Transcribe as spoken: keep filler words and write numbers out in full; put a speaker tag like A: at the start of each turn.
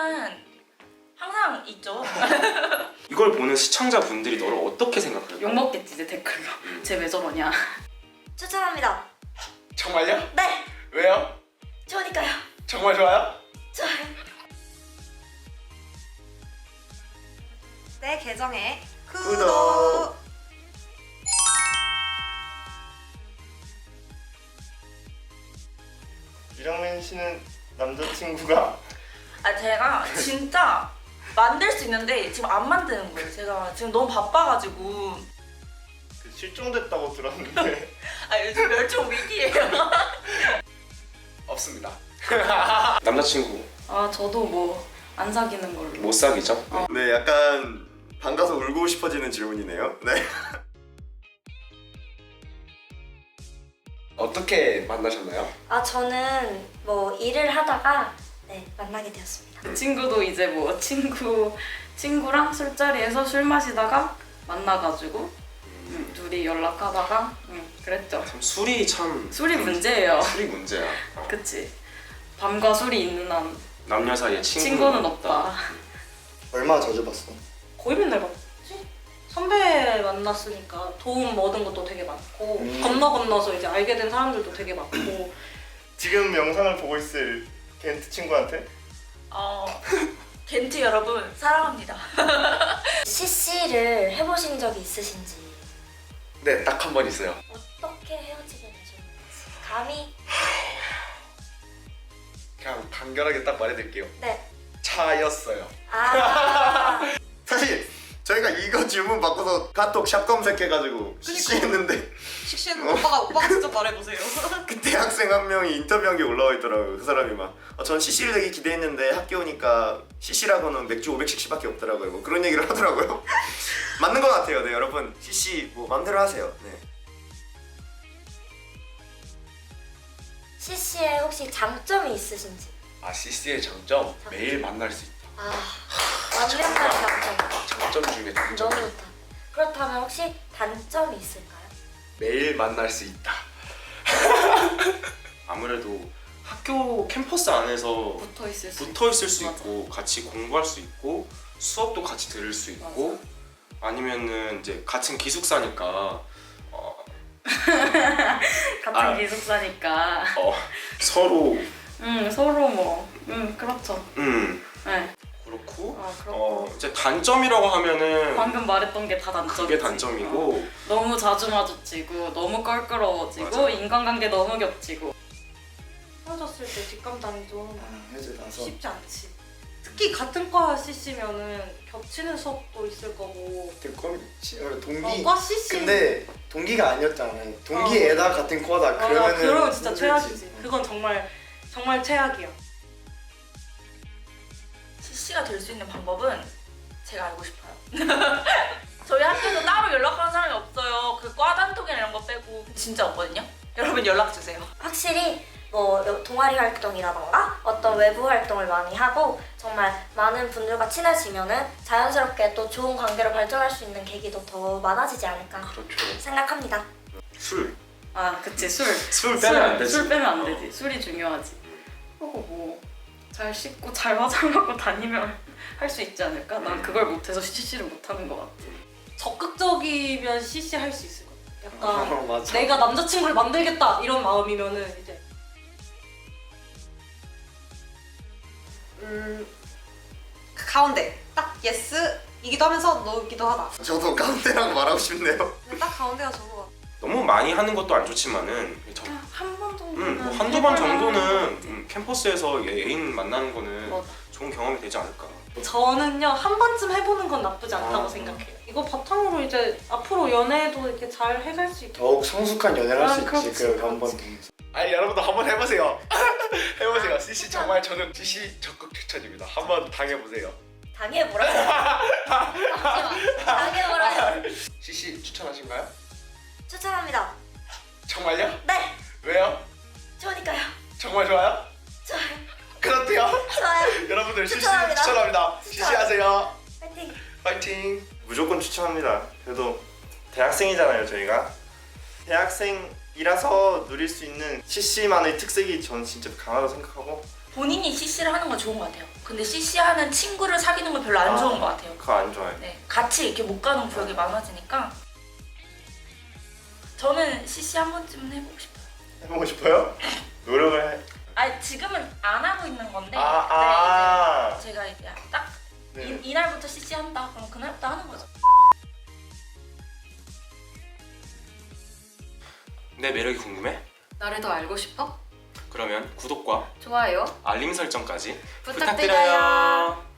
A: 이거는 항상 있죠.
B: 이걸 보는 시청자분들이 너를 어떻게 생각할까?
C: 욕먹겠지 이제 댓글로. 쟤 왜 저러냐.
D: 추천합니다.
E: 정말요?
D: 네!
E: 왜요?
D: 좋으니까요.
E: 정말 좋아요?
D: 좋아요. 내 계정에 구독!
E: 구독.
F: 유정민 씨는 남자친구가
A: 아 제가 진짜 만들 수 있는데 지금 안 만드는 거예요. 제가 지금 너무 바빠가지고.
F: 그 실종됐다고 들었는데
A: 아 요즘 멸종 위기예요.
E: 없습니다.
B: 남자친구
C: 아 저도 뭐 안 사귀는 걸로.
B: 못 사귀죠?
F: 네, 약간 반가서 울고 싶어지는 질문이네요. 네.
E: 어떻게 만나셨나요?
D: 아 저는 뭐 일을 하다가 네 만나게 되었습니다.
C: 그 친구도 이제 뭐 친구 친구랑 술자리에서 술 마시다가 만나가지고 음, 둘이 연락하다가 음, 그랬죠.
B: 참 술이 참
C: 술이 문제예요.
B: 술이 문제야. 어.
C: 그치. 밤과 술이 있는 한
B: 남녀 사이에 친구는,
C: 친구는 없다.
F: 얼마나 자주 봤어?
A: 거의 맨날 봤지? 선배 만났으니까 도움 얻은 것도 되게 많고
F: 음.
A: 건너 건너서 이제 알게 된 사람들도 되게 많고.
F: 지금 영상을 보고 있을 겐트 친구한테
A: 어, 겐트 여러분 사랑합니다.
D: 씨씨를 해보신 적이 있으신지
E: 네, 딱 한 번 있어요.
D: 어떻게 헤어지게 되셨는지 감히
E: 그냥 간결하게 딱 말해드릴게요.
D: 네.
E: 차였어요.
D: 아
F: 사실 저희가 이거 질문 받고서 카톡 샵 검색해가지고 씨씨 했는데
A: 식신 오빠가 오빠가 직접 말해보세요.
F: 그때 학생 한 명이 인터뷰한 게 올라와 있더라고요. 그 사람이 막 어, 전 씨씨를 되게 기대했는데 학교 오니까 씨씨라고는 맥주 오백 씩씩밖에 없더라고요. 뭐 그런 얘기를 하더라고요. 맞는 것 같아요. 네, 여러분 씨씨 뭐 마음대로 하세요. 네.
D: 씨씨에 혹시 장점이 있으신지.
E: 아, 씨씨의 장점? 매일 만날 수 있다.
D: 아 완벽한 장점.
E: 장점 중에 장점.
D: 너무 좋다. 그렇다면 혹시 단점이 있을까요?
E: 매일 만날 수 있다.
B: 아무래도 학교 캠퍼스 안에서
C: 붙어 있을 수.
B: 붙어 있을 수
C: 맞아.
B: 있고 같이 공부할 수 있고 수업도 같이 들을 수 있고 아니면은 이제 같은 기숙사니까 어,
C: 같은
B: 아.
C: 기숙사니까.
B: 어, 서로
C: 음 서로 뭐. 음 그렇죠.
B: 음
C: 네.
B: 그렇고
C: 아 그렇고.
B: 어, 이제 단점이라고 하면은
C: 방금 말했던 게 다 단점이지.
B: 그게 단점이고
C: 어. 너무 자주 마주치고 너무 껄끄러워지고
B: 맞아.
C: 인간관계 너무 겹치고.
A: 헤어졌을 때 뒷감당이 좀
F: 해제 나서
A: 쉽지 않지. 특히 같은 과 씨씨면은 겹치는 수업도 있을 거고.
F: 동기
A: 어, 과 씨씨.
F: 근데 동기가 아니었잖아요. 동기에다 같은 과다.
A: 맞아,
F: 그러면은
A: 그러면 진짜
F: 힘들지.
A: 최악이지. 그건 정말 정말 최악이야. 씨씨가 될 수 있는 방법은 제가 알고 싶어요. 저희 학교에서 따로 연락하는 사람이 없어요. 그 과 단톡이나 이런 거 빼고 진짜 없거든요. 여러분 연락 주세요.
D: 확실히 뭐 동아리 활동이라던가 어떤 외부 활동을 많이 하고 정말 많은 분들과 친해지면은 자연스럽게 또 좋은 관계로 발전할 수 있는 계기도 더 많아지지 않을까
B: 그렇죠.
D: 생각합니다.
B: 술
C: 아 그치 술.
B: 술 빼면 안 되지.
C: 술 빼면 안
B: 어.
C: 되지. 술이 중요하지. 그리고 뭐 잘 씻고 잘 화장하고 다니면 할 수 있지 않을까? 난 그걸 못해서 씨씨를 못하는 것 같아.
A: 적극적이면 씨씨 할 수 있을 것 같아. 약간
F: 어, 맞아.
A: 내가 남자친구를 만들겠다 이런 마음이면은 이제
G: 음 가운데 딱 예스이기도 하면서 노이기도 하다.
F: 저도 가운데라고 말하고 싶네요.
G: 근데 딱 가운데가 좋은 것 같아.
B: 너무 많이 하는 것도 안 좋지만은 저,
C: 한 번 정도는.
B: 음, 뭐 한두 번
C: 해볼
B: 정도는
C: 만하지.
B: 음, 캠퍼스에서 애인 만나는 거는
C: 맞아.
B: 좋은 경험이 되지 않을까.
A: 저는요 한 번쯤 해보는 건 나쁘지 않다고
F: 아.
A: 생각해요. 이거 바탕으로 이제 앞으로 연애도 이렇게 잘 해갈 수 있게.
F: 더욱 성숙한 연애를 할 수
A: 아, 그렇지,
F: 있지. 그 한 번
A: 그렇지.
F: 통해서.
E: 아니, 여러분도 한번 해보세요. 해보세요. 씨씨 정말 저는 씨씨 적극 추천입니다. 한번 당해보세요.
D: 당해보라요. 잠시만. 당해보라요.
E: 씨씨 추천하신가요?
D: 추천합니다.
E: 정말요?
D: 네.
E: 왜요?
D: 좋으니까요.
E: 정말 좋아요?
D: 좋아요.
E: 그렇대요.
D: 좋아요.
E: 여러분들 씨씨
D: 추천합니다.
E: 추천합니다. 씨씨 하세요.
D: 파이팅.
E: 파이팅.
F: 무조건 추천합니다. 그래도 대학생이잖아요, 저희가. 대학생이라서 누릴 수 있는 씨씨만의 특색이 저는 진짜 강하다고 생각하고
A: 본인이 씨씨를 하는 건 좋은 것 같아요. 근데 씨씨 하는 친구를 사귀는 건 별로 안 좋은 것 같아요.
B: 그거 안 좋아해.
A: 네, 같이 이렇게 못 가는 구역이 많아지니까 저는 씨씨 한 번쯤은 해보고 싶어요.
F: 해보고 싶어요? 노력을 해.
A: 아니 지금은 안 하고 있는 건데
F: 아, 아.
A: 네, 이제 제가 이제 딱
F: 네.
A: 이, 이날부터 씨씨 한다 그럼 그날부터 하는 거죠.
B: 내 매력이 궁금해?
C: 나를 더 알고 싶어?
B: 그러면 구독과
C: 좋아요.
B: 알림 설정까지
C: 부탁드려요.
B: 부탁드려요.